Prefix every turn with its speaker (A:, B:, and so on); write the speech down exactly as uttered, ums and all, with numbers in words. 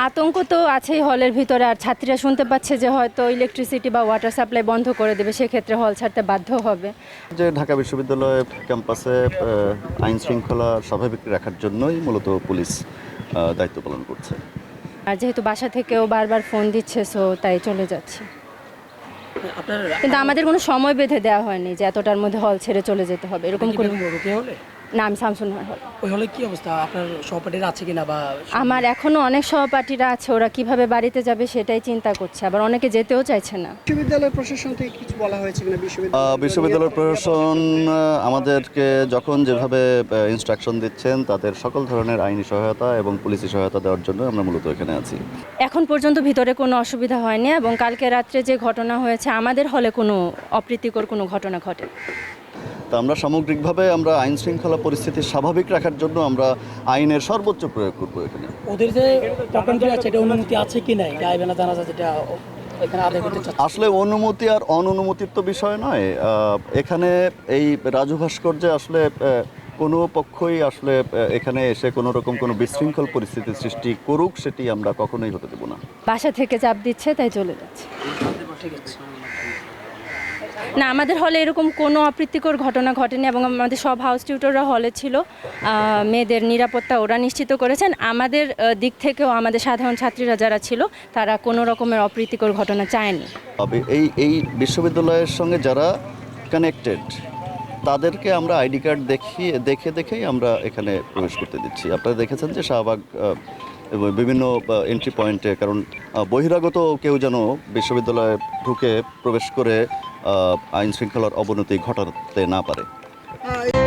A: আতঙ্ক তো আছেই হলের ভিতরে, আর ছাত্রীরা শুনতে পাচ্ছে যে হয়তো ইলেকট্রিসিটি বা ওয়াটার সাপ্লাই বন্ধ করে দেবে, সেক্ষেত্রে হল ছাড়তে বাধ্য হবে।
B: যে ঢাকা বিশ্ববিদ্যালয় ক্যাম্পাসে আহ, আইন শৃঙ্খলা স্বাভাবিক রাখার জন্যই মূলত পুলিশ আহ, দায়িত্ব পালন করছে।
A: আর যেহেতু বাসা থেকেও বারবার ফোন দিচ্ছে, সো তাই চলে যাচ্ছি।
C: আপনার
A: কিন্তু আমাদের কোনো সময় বেঁধে দেওয়া হয়নি যে এতটার মধ্যে হল ছেড়ে চলে যেতে হবে, এরকম কোনো।
C: রুকিয়া হলে
A: না, আমি শামসুন্নাহার হল।
C: ওই হলে কি অবস্থা? আপনার সহপাঠীরা আছে কিনা বা
A: আমার এখনো অনেক সহপাঠীরা আছে, ওরা কিভাবে বাড়িতে যাবে সেটাই চিন্তা করছে, আবার অনেকে যেতেও চাইছে না।
D: বিশ্ববিদ্যালয় প্রশাসন থেকে কিছু বলা হয়েছে কিনা?
B: আহ,
D: বিশ্ববিদ্যালয়
B: বিশ্ববিদ্যালয় প্রশাসন আহ, আমাদেরকে যখন যেভাবে ইনস্ট্রাকশন দিচ্ছেন তাদের সকল ধরনের আইনি সহায়তা এবং পুলিশি সহায়তা দেওয়ার জন্য আমরা মূলত এখানে আছি।
A: এখন পর্যন্ত ভিতরে কোনো অসুবিধা হয়নি, এবং কালকে রাত্রে যে ঘটনা হয়েছে আমাদের হলে কোনো অপ্রীতিকর কোনো ঘটনা ঘটে।
B: তা আমরা সামগ্রিকভাবে আমরা আইন শৃঙ্খলা পরিস্থিতি স্বাভাবিক রাখার জন্য আমরা আইনের সর্বোচ্চ প্রয়োগ করবো এখানে।
C: ওদের যে প্রোগ্রামটি আছে এটা অনুমতি আছে কি নাই গাইবে না জানা যায় যেটা এখানে আদায় করতে চাচ্ছে?
B: আসলে অনুমতি আর অননুমতির তো বিষয় নয়। আহ, এখানে এই রাজু ভাস্কর্যে আসলে আহ, কোনো পক্ষই আসলে আহ, এখানে এসে কোনো রকম কোনো বিশৃঙ্খল পরিস্থিতির সৃষ্টি করুক সেটি আমরা কখনোই হতে দেব না।
A: বাসা থেকে চাপ দিচ্ছে তাই চলে যাচ্ছে।
C: ঠিক আছে।
A: না, আমাদের হলে এরকম কোনো অপ্রীতিকর ঘটনা ঘটেনি, এবং আমাদের সব হাউস টিউটররা হলে ছিল। আহ, মেয়েদের নিরাপত্তা ওরা নিশ্চিত করেছেন। আমাদের আহ, দিক থেকেও আমাদের সাধারণ ছাত্রীরা যারা ছিল তারা কোনো রকমের অপ্রীতিকর ঘটনা চায়নি।
B: তবে এই এই বিশ্ববিদ্যালয়ের সঙ্গে যারা কানেক্টেড তাদেরকে আমরা আইডি কার্ড দেখিয়ে দেখে দেখেই আমরা এখানে প্রবেশ করতে দিচ্ছি। আপনারা দেখেছেন যে শাহবাগ আহ, এবং বিভিন্ন এন্ট্রি পয়েন্টে, কারণ আহ, বহিরাগত কেউ যেন বিশ্ববিদ্যালয়ে ঢুকে প্রবেশ করে আহ, আইন শৃঙ্খলার অবনতি ঘটাতে না পারে।
D: আহ,